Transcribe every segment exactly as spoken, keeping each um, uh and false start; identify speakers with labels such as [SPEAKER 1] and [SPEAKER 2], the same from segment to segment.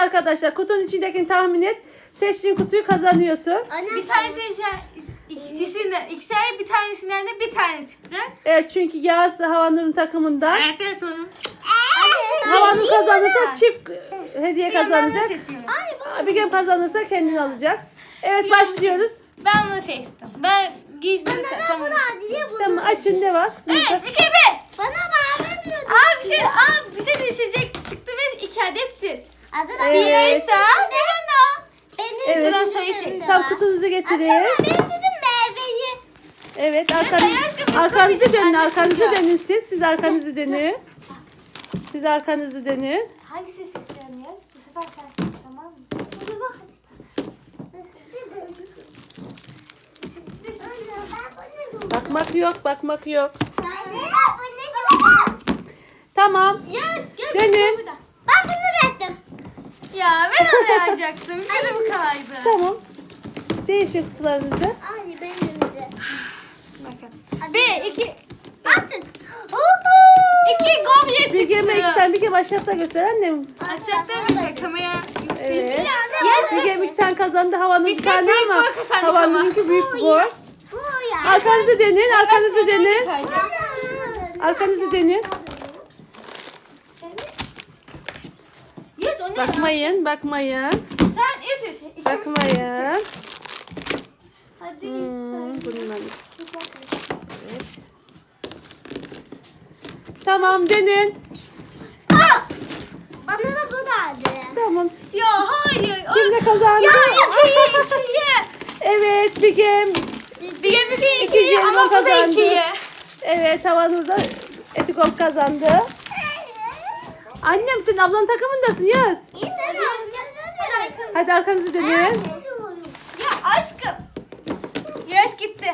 [SPEAKER 1] arkadaşlar. Kutunun içindekini tahmin et. Seçtiğin kutuyu kazanıyorsun.
[SPEAKER 2] Anne, bir tanesi ikisinden, ikişer bir tanesinden de bir tane çıkacak.
[SPEAKER 1] Evet, çünkü Yağız Havanur'un takımından.
[SPEAKER 2] Evet, evet oğlum.
[SPEAKER 1] Havanur kazanırsa çift hediye kazanacak.
[SPEAKER 2] Ay,
[SPEAKER 1] Abigem kazanırsa kendini alacak. Evet, başlıyoruz.
[SPEAKER 2] Ben bunu seçtim. Ben giysin tamam.
[SPEAKER 1] Tamam, açın ne var?
[SPEAKER 2] Evet, iki bir. Bana bağlı diyordu. Aa bize, aa bize düşecek çıktı ve iki adet süt.
[SPEAKER 1] Evet.
[SPEAKER 2] Bireysa, bir bana.
[SPEAKER 1] Evet.
[SPEAKER 2] Dur, ben soyu seçtim.
[SPEAKER 1] Tam kutunuzu getirin.
[SPEAKER 3] Ben dedim meyveyi.
[SPEAKER 1] Evet,
[SPEAKER 2] Ya,
[SPEAKER 1] arkanız,
[SPEAKER 2] sen aşkım, biz
[SPEAKER 1] arkanızı
[SPEAKER 2] koymayacağız.
[SPEAKER 1] dönün,
[SPEAKER 2] Anne
[SPEAKER 1] arkanızı
[SPEAKER 2] koyuyor.
[SPEAKER 1] dönün siz. Siz arkanızı dönün. Siz arkanızı dönün.
[SPEAKER 2] Hangisi seçeceğim yaz? Bu sefer sen seç, tamam mı? Hadi bak.
[SPEAKER 1] Bakmak yok, bakmak yok.
[SPEAKER 3] Ben
[SPEAKER 1] Tamam.
[SPEAKER 2] Yaz, gel.
[SPEAKER 1] Dönün.
[SPEAKER 2] burada.
[SPEAKER 3] bunu yaptım.
[SPEAKER 2] Ya ben onu yapacaktım. Canım kaydı.
[SPEAKER 1] Tamam. Değişin kutularınızı.
[SPEAKER 3] Ay benim de.
[SPEAKER 2] Bakın. Bir, iki,
[SPEAKER 3] Atın.
[SPEAKER 2] iki gobye çıktı.
[SPEAKER 1] Bir gemi iki tane, bir gemi aşağıda göster annem.
[SPEAKER 2] Aşağıda göster kamera.
[SPEAKER 1] Evet.
[SPEAKER 2] Yes.
[SPEAKER 1] Bir gemi iki tane kazandı. Havanın bir
[SPEAKER 2] Biz de
[SPEAKER 1] tane
[SPEAKER 2] büyük
[SPEAKER 1] ama
[SPEAKER 2] boy kazandık
[SPEAKER 1] Havanınki büyük boy.
[SPEAKER 3] Bu ya.
[SPEAKER 1] Arkanızı dönün, arkanızı dönün.
[SPEAKER 2] Kayacak.
[SPEAKER 1] Arkanızı dönün.
[SPEAKER 2] Yes, o ne?
[SPEAKER 1] Bakmayın, bakmayın.
[SPEAKER 2] Sen yes, yes. İkimiz-
[SPEAKER 1] Bakmayın.
[SPEAKER 2] Hadi
[SPEAKER 1] Hmm,
[SPEAKER 2] yes.
[SPEAKER 1] bundan. Evet. Tamam, dönün.
[SPEAKER 3] Bana da bu da
[SPEAKER 1] Tamam.
[SPEAKER 2] Ya hayır. o-
[SPEAKER 1] Kim ne kazandı?
[SPEAKER 2] Ya ikiye ikiye.
[SPEAKER 1] Evet, bir gemi.
[SPEAKER 2] Bir gemi iki
[SPEAKER 1] İki
[SPEAKER 2] ikiye
[SPEAKER 1] jelibon
[SPEAKER 2] ama bu da
[SPEAKER 1] kazandı.
[SPEAKER 2] ikiye.
[SPEAKER 1] Evet, Havanur da Etikop kazandı. Annem, sen ablanın takımındasın Yaz.
[SPEAKER 3] İyi
[SPEAKER 2] Hadi Yaz, gel. Hadi arkanı.
[SPEAKER 1] Hadi arkanızı dönün.
[SPEAKER 2] Ya aşkım. Yaş gitti.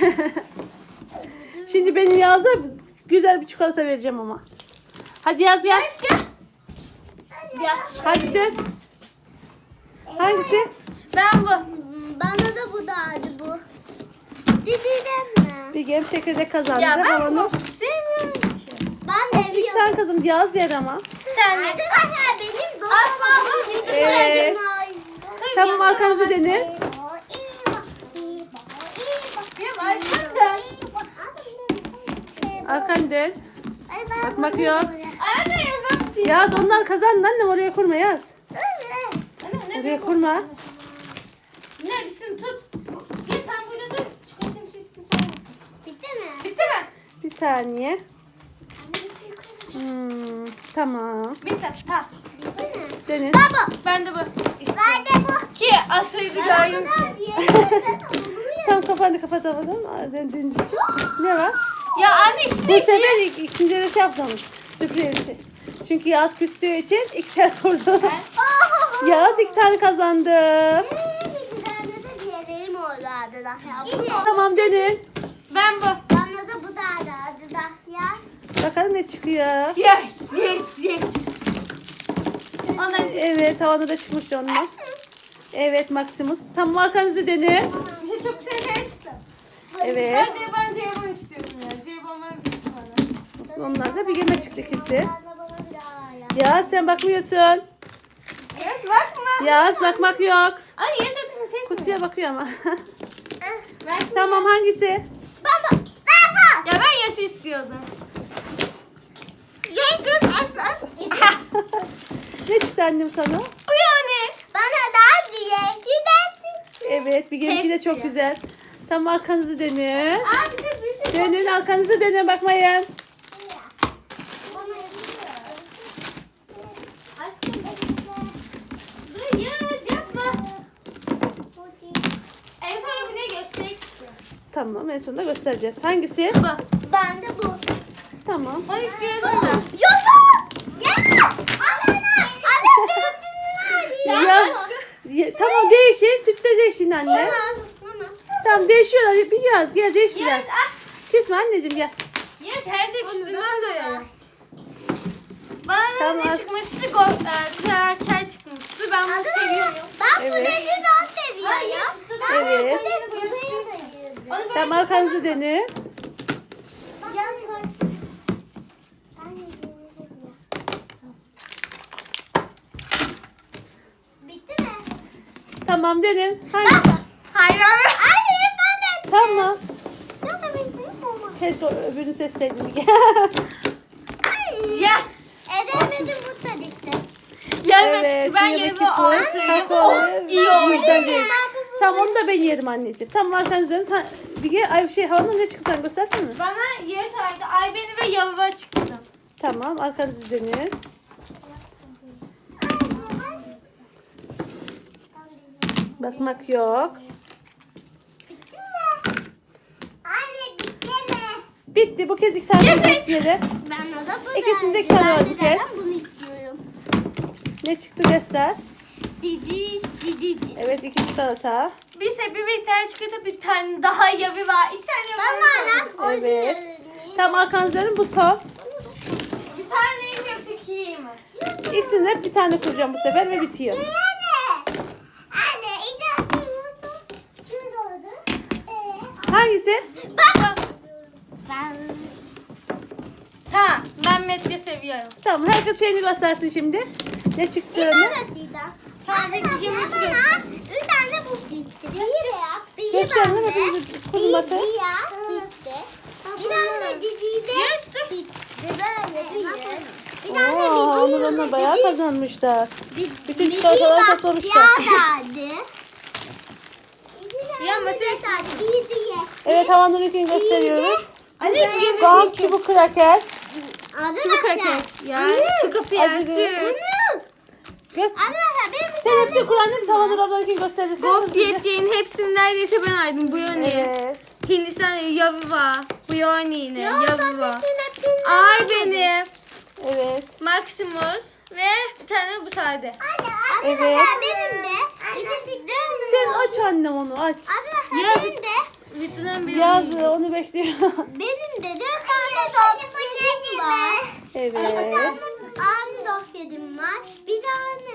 [SPEAKER 1] Şimdi benim Yaz'a güzel bir çikolata vereceğim ama. Hadi Yaz Yaz.
[SPEAKER 2] Yaş gel. Yaş.
[SPEAKER 1] Hadi dön. Hangisi?
[SPEAKER 2] Ben bu.
[SPEAKER 3] Bana da bu da bu. Diziden mi?
[SPEAKER 1] Bir gemi çekirdek kazandı.
[SPEAKER 2] Ya ben
[SPEAKER 1] Havanur.
[SPEAKER 2] bu sevmiyorum ki.
[SPEAKER 3] Ben de
[SPEAKER 1] İki
[SPEAKER 3] biliyorum.
[SPEAKER 1] tane kazandı. Yaz yer ama.
[SPEAKER 2] Sen
[SPEAKER 3] Arkadaşlar benim
[SPEAKER 2] Asma abla.
[SPEAKER 3] dolabımın videosu
[SPEAKER 1] Evet. Tamam, arkanızı dönün.
[SPEAKER 2] Ya arkanda.
[SPEAKER 1] Arkanı dön. Bakmak yok.
[SPEAKER 2] Anne ya ben.
[SPEAKER 1] Yaz, onlar kazandı annem, oraya kurma Yaz.
[SPEAKER 2] Anne ne?
[SPEAKER 1] Oraya kurma.
[SPEAKER 2] Ne bilsin tut. Ya sen burada dur. Çikolatamı siz kimse almasın.
[SPEAKER 3] Bitti mi?
[SPEAKER 2] Bitti mi?
[SPEAKER 1] Bir saniye.
[SPEAKER 2] Anne bitti yukarı.
[SPEAKER 1] Hmm, tamam.
[SPEAKER 2] Bitti. Tamam.
[SPEAKER 3] Bitti mi?
[SPEAKER 1] Dönün.
[SPEAKER 2] Ben de bu. İşte.
[SPEAKER 3] Ben de bu.
[SPEAKER 2] Ki asaydı gayet.
[SPEAKER 1] Tam kapandı, kapatamadım. Aa, döndüğünüz için. Ne var?
[SPEAKER 2] Ya anne ikisi
[SPEAKER 1] Bu
[SPEAKER 2] de iki.
[SPEAKER 1] sefer ik- ikinci de şey yaptım. Sürpriz. Çünkü Yaz küstüğü için ikişer kurdu. Yaz iki tane kazandı.
[SPEAKER 3] Bir tane de diğerlerim oldu adı da. Ya,
[SPEAKER 1] Tamam, dönün.
[SPEAKER 2] Ben bu.
[SPEAKER 3] bana da bu da adı da. Ya.
[SPEAKER 1] Bakalım ne çıkıyor.
[SPEAKER 2] Yes, yes, yes. Ondan bir şey.
[SPEAKER 1] Evet, havada da çıkmış onlar. Evet, Maximus. Tamam, arkanızı dönün.
[SPEAKER 2] Bir şey çok güzel şeyler çıktı.
[SPEAKER 1] Evet.
[SPEAKER 2] Bence ben Ceyhun istiyorum ya. Ceyhun bana bir çıktı bana.
[SPEAKER 1] Onlar da bir geme çıktı ikisi.
[SPEAKER 3] Bana bana bir daha ya.
[SPEAKER 1] Yaz, sen bakmıyorsun.
[SPEAKER 2] Yes, bakma.
[SPEAKER 1] Yaz, bakmak yok.
[SPEAKER 2] Anne yes adını ses mi?
[SPEAKER 1] Kutuya bakıyor ama.
[SPEAKER 2] Bakma.
[SPEAKER 1] Tamam, hangisi?
[SPEAKER 3] Baba. Baba.
[SPEAKER 2] Ya ben yes istiyordum.
[SPEAKER 3] Yes yes es es.
[SPEAKER 1] Ne çıktı annem sana?
[SPEAKER 2] Bu yani.
[SPEAKER 3] Bana da diye gidelim.
[SPEAKER 1] Evet, bir gemisi de
[SPEAKER 2] Keşke.
[SPEAKER 1] çok güzel. Tamam, arkanızı dönün.
[SPEAKER 2] Aa bize bir şey.
[SPEAKER 1] Dönün, arkanızı dönün, bakmayın.
[SPEAKER 2] Aşkım. Dur yes yapma. En son bir de göstermek istiyorum.
[SPEAKER 1] Tamam, en sonunda göstereceğiz. Hangisi?
[SPEAKER 2] Bu.
[SPEAKER 3] Ben de bu.
[SPEAKER 1] Tamam.
[SPEAKER 2] Onu istiyordum da.
[SPEAKER 3] Yola. Ya. Anne. Anne benim
[SPEAKER 1] Ya, ya- tamam, değişin. Sütte değişin anne.
[SPEAKER 3] Tamam.
[SPEAKER 1] Tamam, değişiyorlar. Bir Yaz, gel değiştiler.
[SPEAKER 2] Yes ah.
[SPEAKER 1] Küsme anneciğim, gel.
[SPEAKER 2] Yes her şey
[SPEAKER 3] Onu da
[SPEAKER 2] üstünden
[SPEAKER 3] bana
[SPEAKER 2] doyuyor.
[SPEAKER 3] ver.
[SPEAKER 2] Bana
[SPEAKER 1] Tamam.
[SPEAKER 2] ne çıkmıştı? Go, e, kraker çıkmıştı. Ben bunu seviyorum.
[SPEAKER 3] Ben bu
[SPEAKER 1] Evet.
[SPEAKER 3] denizi de seviyorum.
[SPEAKER 2] Hayır,
[SPEAKER 3] Ben bu
[SPEAKER 1] Evet.
[SPEAKER 3] denizi de seviyorum.
[SPEAKER 2] Onu böyle
[SPEAKER 1] Tamam, arkanızı dönün.
[SPEAKER 2] Gel sana.
[SPEAKER 1] Tamam dönün. Hangi?
[SPEAKER 2] Hayır abi.
[SPEAKER 3] Anne lütfen de.
[SPEAKER 1] Tamam.
[SPEAKER 3] Yok da benim büyük olmaz.
[SPEAKER 1] Keşke öbürünü seçseydim.
[SPEAKER 2] Yes.
[SPEAKER 3] Edemedim bu da dikti.
[SPEAKER 2] Yarıma çıktı. Ben
[SPEAKER 1] yarı
[SPEAKER 2] yarımı
[SPEAKER 1] çıktı.
[SPEAKER 2] alsaydım.
[SPEAKER 1] Kakaolu.
[SPEAKER 2] Oh, iyi oldu.
[SPEAKER 1] Güzel değil. Tamam onu da ben yerim anneciğim. Tamam arkanızı dönün. Sen bir ay şey havanın ne çıktı sen göstersene.
[SPEAKER 2] Bana yarı saydı. Ay beni ve yarıma çıktı.
[SPEAKER 1] Tamam arkanızı dönün. Bakmak yok.
[SPEAKER 3] Anne bitti mi?
[SPEAKER 1] Bitti bu kez iki tane
[SPEAKER 2] Yes.
[SPEAKER 1] hepsine de.
[SPEAKER 3] Ben de bu
[SPEAKER 1] İkisinde
[SPEAKER 3] da-
[SPEAKER 1] iki tane var
[SPEAKER 3] Ben
[SPEAKER 1] bir
[SPEAKER 3] de
[SPEAKER 1] kez.
[SPEAKER 3] zaten bunu istiyorum.
[SPEAKER 1] Ne çıktı göster.
[SPEAKER 3] Didi didi didi.
[SPEAKER 1] Evet iki çikolata.
[SPEAKER 2] Bir sebebi bir tane çikolata, bir tane daha yarı var. İki tane
[SPEAKER 3] Bana
[SPEAKER 2] var.
[SPEAKER 3] lan o
[SPEAKER 1] Evet.
[SPEAKER 3] diyor.
[SPEAKER 1] Tamam arkanızı dönün bu son.
[SPEAKER 2] Bir tane mi yoksa iki mi?
[SPEAKER 1] İkisini de bir tane kuracağım bu sefer ve bitiyor.
[SPEAKER 3] Anne. Anne icazı şurada oldu. Ee,
[SPEAKER 1] Hangisi?
[SPEAKER 2] Bak.
[SPEAKER 3] ben
[SPEAKER 2] Tamam. Ben medya seviyorum.
[SPEAKER 1] Tamam herkes şeyini göstersin şimdi. Ne çıktığını.
[SPEAKER 3] İbadet Dida.
[SPEAKER 2] Tamam,
[SPEAKER 3] Anne,
[SPEAKER 2] bir yemek
[SPEAKER 3] bana
[SPEAKER 2] yiyorum.
[SPEAKER 3] üç tane bu gitti. Bir ya. Bir
[SPEAKER 1] Gösterin,
[SPEAKER 3] bende.
[SPEAKER 1] hepinizi
[SPEAKER 3] Bir
[SPEAKER 1] kurulması.
[SPEAKER 3] ya gitti. Bir tane Didi'de
[SPEAKER 2] Yes, dur.
[SPEAKER 3] gitti. Böyle bir. Bir tane
[SPEAKER 1] Oo,
[SPEAKER 3] Didi.
[SPEAKER 1] Onur onunla bayağı
[SPEAKER 3] Didi-
[SPEAKER 1] kazanmışlar.
[SPEAKER 3] Bir-
[SPEAKER 1] Bütün
[SPEAKER 3] Didi
[SPEAKER 1] çikolataları
[SPEAKER 3] bak,
[SPEAKER 1] toplamışlar.
[SPEAKER 3] Ya verdi.
[SPEAKER 2] Ya
[SPEAKER 3] Ya
[SPEAKER 2] masaya-
[SPEAKER 3] mesela Didi'ye.
[SPEAKER 1] Evet Havanur'unkini gösteriyoruz.
[SPEAKER 2] Ali
[SPEAKER 3] Güzel.
[SPEAKER 2] yemek
[SPEAKER 1] Gam çubuk kraker.
[SPEAKER 2] çubuk kraker. Ya şu kapıyı
[SPEAKER 1] Acılı.
[SPEAKER 2] açsın.
[SPEAKER 1] Göster.
[SPEAKER 3] Arkadaşlar benim bir
[SPEAKER 1] Sen
[SPEAKER 3] tane
[SPEAKER 1] hepsini kuran değil mi? Havanur ablanınkini gösterecek.
[SPEAKER 2] Gofret yiyin hepsini neredeyse ben aydım. Bu yöne.
[SPEAKER 1] Evet.
[SPEAKER 2] Hindistan yavi var. Bu yöne yine
[SPEAKER 3] Yok,
[SPEAKER 2] yavi var.
[SPEAKER 3] hepsini- hepsini
[SPEAKER 2] Ay
[SPEAKER 3] almadım.
[SPEAKER 2] benim.
[SPEAKER 1] Evet.
[SPEAKER 2] Maximus ve bir tane bu sade.
[SPEAKER 3] Anne,
[SPEAKER 1] Evet.
[SPEAKER 3] arkadaşlar benim de. İkinci
[SPEAKER 1] Sen aç annem onu aç.
[SPEAKER 3] Arkadaşlar
[SPEAKER 2] Yaz.
[SPEAKER 3] benim de.
[SPEAKER 2] Bütünden bir
[SPEAKER 1] Yazdı onu bekliyor.
[SPEAKER 3] Benim de dört tane dofyedim var.
[SPEAKER 1] Evet.
[SPEAKER 3] Anne dofyedim var. Bir tane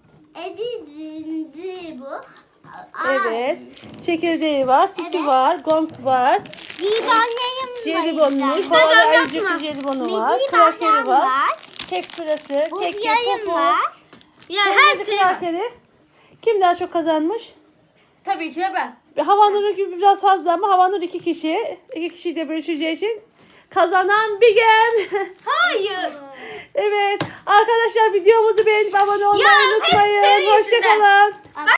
[SPEAKER 3] edindi bu.
[SPEAKER 1] Evet. Çekirdeği var, sütü
[SPEAKER 3] Evet.
[SPEAKER 1] var, gong var,
[SPEAKER 3] Divanyayım
[SPEAKER 1] jelibonu,
[SPEAKER 2] İşte
[SPEAKER 1] koala
[SPEAKER 2] ben
[SPEAKER 1] ayıcıklı
[SPEAKER 2] yapma.
[SPEAKER 1] jelibonu var,
[SPEAKER 3] Midi
[SPEAKER 1] krakeri
[SPEAKER 3] bahram
[SPEAKER 1] var,
[SPEAKER 3] var.
[SPEAKER 1] kek sırası,
[SPEAKER 3] Bu
[SPEAKER 1] kek
[SPEAKER 3] yayım
[SPEAKER 1] topu,
[SPEAKER 3] var.
[SPEAKER 2] Ya her
[SPEAKER 1] kek
[SPEAKER 2] şey var.
[SPEAKER 1] krakeri. Kim daha çok kazanmış?
[SPEAKER 2] Tabii ki de ben.
[SPEAKER 1] Havanur gibi biraz fazla ama Havanur iki kişi. İki kişiyle bölüşeceği için kazanan Bigem.
[SPEAKER 2] Hayır.
[SPEAKER 1] Evet. Arkadaşlar videomuzu beğenip abone olmayı
[SPEAKER 2] Ya, hep
[SPEAKER 1] unutmayın.
[SPEAKER 2] senin yüzünden.
[SPEAKER 1] Hoşçakalın.